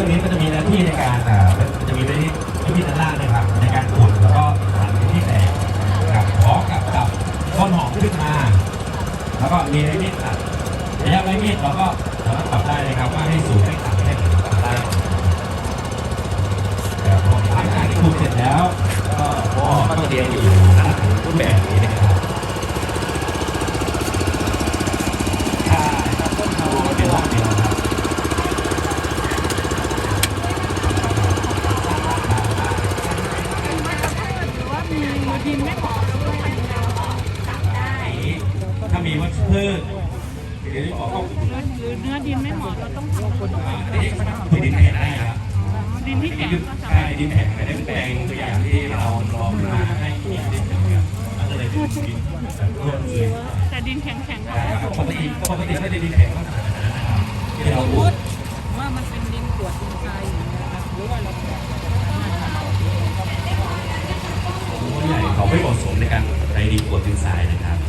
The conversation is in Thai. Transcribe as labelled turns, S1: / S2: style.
S1: นี้ก็จะมีหน้าที่ในการจะมีหน้าที่ด้านล่างนะครับในการขุดแล้วก็หั่นที่แตกกับพร้อมกับต้นหอมขึ้นมาแล้วก็มีไม้มีดตัดระยะไม้มีดเราก็สามารถปรับได้นะครับว่าให้สูงให้ต่ำให้ปรับได้หลังจากที่ขุดเสร็จแล้วก็ต้องเรียงอยู่ลักษณะรูปแบบนี้นะครับใช่ครับต้นเขาเป็นร่องเดียวครับ
S2: ดินไม่เหมาะด้วยเราก็ตัดได้
S1: ถ้ามีวัชพืชเดี๋ยวออกก็
S2: หรือเนื้อดินไม่เหมาะเราต้องทำคน
S1: ดินแข็งได้ครับ
S2: ดินที่แข็งก็สา
S1: ใช่
S2: มารถ
S1: ดินแข็งไม่ได้เป็นแปลงตัวอย่างที่เราลองมาให้ดินแข็งมันก็เลยเป็นดินแบบร่วนเลย
S2: แต่ดินแข็งๆก็
S1: ปกติไม่ได้ดินแข็งก็ขนาดนั้นนะครับที่เราพูด
S2: ว่ามันเป็นดินกรวดดินทรายอย่างเงี้ยครับหรือว่าเรา
S1: ผู้ใหญ่เขาไม่เหมาะสมในการไปดินกรวดดินทรายนะครับ